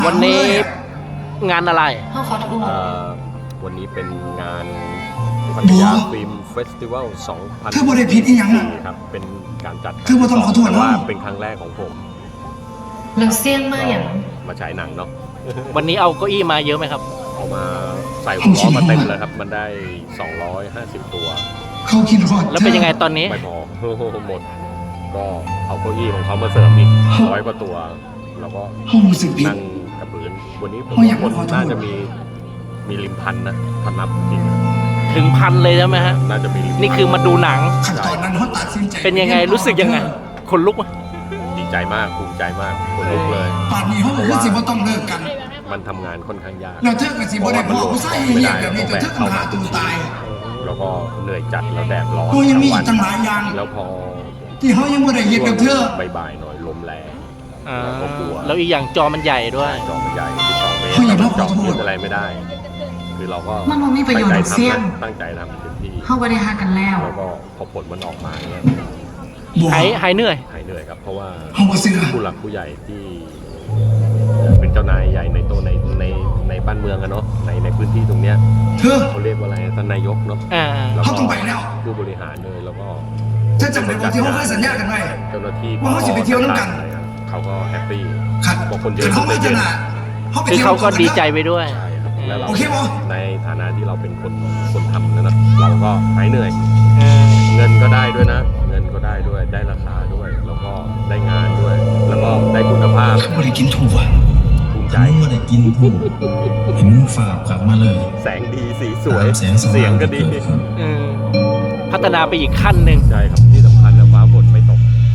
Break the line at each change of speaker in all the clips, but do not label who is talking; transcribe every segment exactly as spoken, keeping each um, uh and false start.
วันนี้งานอะไร
เขาขอโทษ
วันนี้เป็นงานพัทยาฟิล์มเฟสติวัลสองพัน
คือบ่ได้ผิดอีหยังน่ะ
ครับเป็นการจัด
คือบ่ต้องขอโทษ
ว่าเป็นครั้งแรกของผม
เราเสี่ยงมากอย่าง
มาฉายหนังเนาะ
วันนี้เอาเก้าอี้มาเยอะไหมครับ
เอามาใส่หัวล้อมาเต็มเลยครับมันได้สองร้อยห้าสิบตัว
เขาคิดฮอด
แล้วเป็นยังไงตอนนี้
ไม่พอหมดก็เอาเก้าอี้ของเขามาเสริมอีกร้อยกว่าตัวแล้วก็นั่งกับพื้นวันนี้ผมคนน่าจะมีมีริมพันนะพันนับจริง
ถึงพันเลยใช่ไหมฮะ
น่าจะมี
นี่คือมาดูหนัง
ตอนนั้นเขาตัดสินใจ
เป็นยังไงรู้สึกยังไงคนลุกไหม
ดีใจมากภูมิใจมากคนลุกเลย
ป่านนี้เขาบอกว่าสิว่าต้องเลิกกัน
มันทำงานค่อนข้างยาก
เราเทิดกันสิบ่ได้บอกผู้ชายเหี้ยแบบนี้จะเทิดกันหาตัวตาย
แล้วก็เหนื่อยจัดแล้วแดดร้อน
โอ้ยังมีอีกตั้งหลายอย่าง
แล้วพอ
ที่เขายังบ่ได้เฮ็ดกับเธอ
บ่ายๆหน่อยลมแรง
ก็กลัวแล้วอีกอย่างจอมันใหญ่ด้วย
จอมันใหญ่ที่สองเมตรจอพูดอะไรไม่ได้คือเราก็
มันไม่มีประโยชน์เสี่ยง
ตั้งใจทำเต็มที่
เข้าไปได้หากันแล้ว
แล้วก็พอผลมันออกมาเนี่ย
หายหายเหนื่อย
หายเหนื่อยครับเพราะว่าผู้หลักผู้ใหญ่ที่เป็นเจ้านายใหญ่ในตัวในในในบ้านเมืองอะเนาะในในพื้นที่ตรงเนี้ยเขาเรียกว่าอะไรท่านนายกเนาะ
แล้วก็
ผู้บริหารเลยแล้วก็
ถ้าจำได้ว่าที่เขาเคยสัญญากันไว้
เจ้าหน้าที่
ว่าเขาจะไปเที่ยวน้ำกัน
เขาก็แฮปปี้
บอก
คนเยอะ
เขาไม่จะน่ะ
คือเขาก็ดีใจไปด้วย
แล้วเราในฐานะที่เราเป็นคนคนทำนะนะเราก็หายเหนื่อยเงินก็ได้ด้วยนะเงินก็ได้ด้วยได้ราคาด้วยแล้วก็ได้งานด้วยแล้วก็ได้คุณภาพ
ไม่ได้กินถูกอ่ะ
ภูมิใจ
ไม่ได้กินถูกเห็นฝากกลับมาเลย
แสงดีสีสวยเสียงก็ดี
พัฒนาไปอีกขั้นหนึ่ง
ใช่ครับที่สำคัญนะฟ้าฝนไม่ตก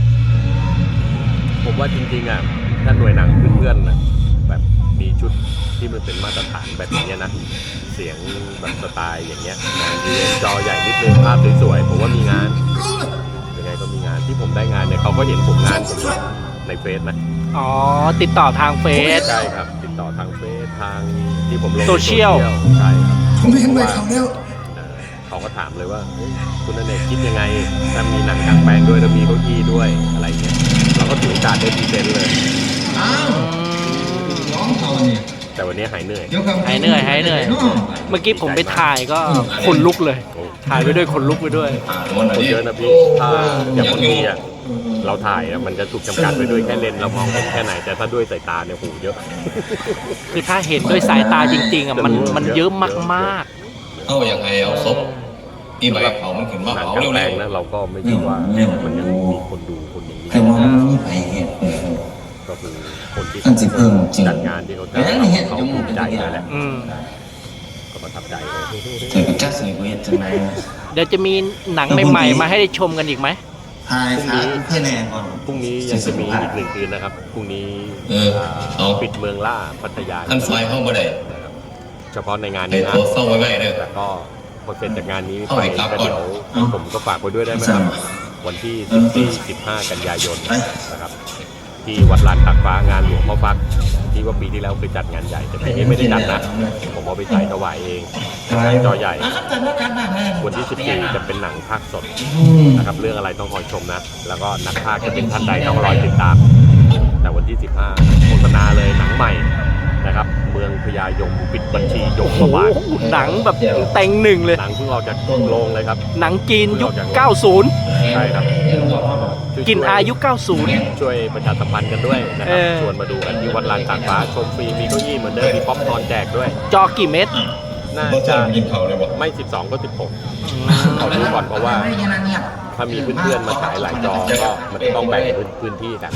ผมว่าจริงๆอ่ะถ้าหน่วยหนังเพื่อนๆนะแบบมีชุดที่มันเป็นมาตรฐานแบบนี้นะเสียงแบบสไตล์อย่างเงี้ยงานที่จอใหญ่นิดนึงภาพสวยๆผมว่ามีงานยังไงก็มีงานที่ผมได้งานเนี่ยเขาก็เห็นผมงานผมในเฟซนะ
อ๋อติดต่อทางเฟซ
ใช่ครับติดต่อทางเฟซทางที่ผมลง
โซเชียล
ใช่ครับ
ผมไม่เห็นเลยเขาแล้ว
เขาก็ถามเลยว่าคุณอเนกคิดยังไงถ้ามีหนังกลางแปลงด้วยแล้วมีเก้าอี้ด้วยอะไรเงี้ยเราก็ถือโอกาสได้พรีเซนต์เลย
อ้าวน้องเขาเนี่ย
แต่วันนี้หายเหนื่อย
หายเหนื่อยหายเหนื่อยเมื่อกี้ผมไปถ่ายก็คนลุกเลยถ่ายไปด้วยคนลุกไปด้วย
คนเยอะนะพี่ถ้าอย่างคนนี้อ่ะเราถ่ายอ่ะมันจะถูกจำกัดไปด้วยแค่เลนเรามองเห็นแค่ไหนแต่ถ้าด้วยสายตาเนี่ยโหเยอะ
คือถ้าเห็นด้วยสายตาจริงๆอ่ะมันมันเยอะมาก
ๆเอาอย่างไงเอาซบที่ใบเขามันขึ้นมาเขาเร็ว
ๆนะเราก็ไม่คิดว่ามันยังมีคนดูคนอย่างนี้
แต่ว่ามันมีไปเหตุ
ก็คือคนที่
จั
ดงานที่เขาจัดเขาภูมิใจเลยแหละก็ประทับใจเลย
แต่ก็จะสวยกว่าจังไง
เดี๋ยวจะมีหนังใหม่ๆมาให้ได้ชมกันอีกไหม
พรุ่งนี้เพื่อนแน่ก่อน
พรุ่งนี้ยังจะมีอีกหนึ่งคืนนะครับพรุ่งนี้ปิดเมืองล่าพัทยา
ท่านไฟเข้ามาได้
เฉพาะในงานนี้นะแต่ก็พอเสร็จจากงานนี้ไปก็เดี๋ยวผมก็ฝากไว้ด้วยได้ไหมครับวันที่สิบสี่ สิบห้ากันยายนนะครับที่วัดลานตากฟ้างานหลวงพ่อฟักที่ว่าปีที่แล้วเคยจัดงานใหญ่แต่ปีนี้ไม่ได้จัดนะผมเอาไปใส่ถวายเองจอใหญ่วันที่สิบสี่จะเป็นหนังภาคสดนะครับเรื่องอะไรต้องคอยชมนะแล้วก็นักพากย์จะเป็นท่านใดต้องรอติดตามแต่วันที่สิบห้าโฆษณาเลยหนังใหม่นะครับเมืองพญายมปิดบัญชียมบาล
หนังแบบเต็งหนึ่งเลย
หนังเพิ่งออกจากโรงเลยครับ
หนังจีนยุคเก้าสิบ
ใช่ครับ
กินอายุเก้าสิบ
ช่วยประชาสัมพันธ์กันด้วยนะครับชวนมาดูกันที่วัดลานตากฟ้าชมฟรีมีเก้าอี้เหมือนเดิมมีป๊อปคอร์นแจกด้วย
จอกี่เม็ด
น่าจะไม่สิบสองก็สิบหกขอดูก่อนเพราะว่าถ้ามีเพื่อนๆมาฉายหลายจอก็มันต้องแบ่งพื้นที่กัน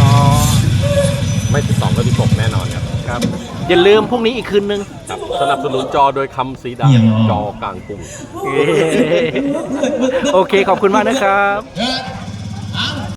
ไม่สิบสองก็สิบหกแน่นอนครับ
ครับอย่าลืมพรุ่งนี้อีกคืนนึง
สนับสนุนจอโดยคำสีดำจอกลางกรุง
โอเคขอบคุณมากนะครับ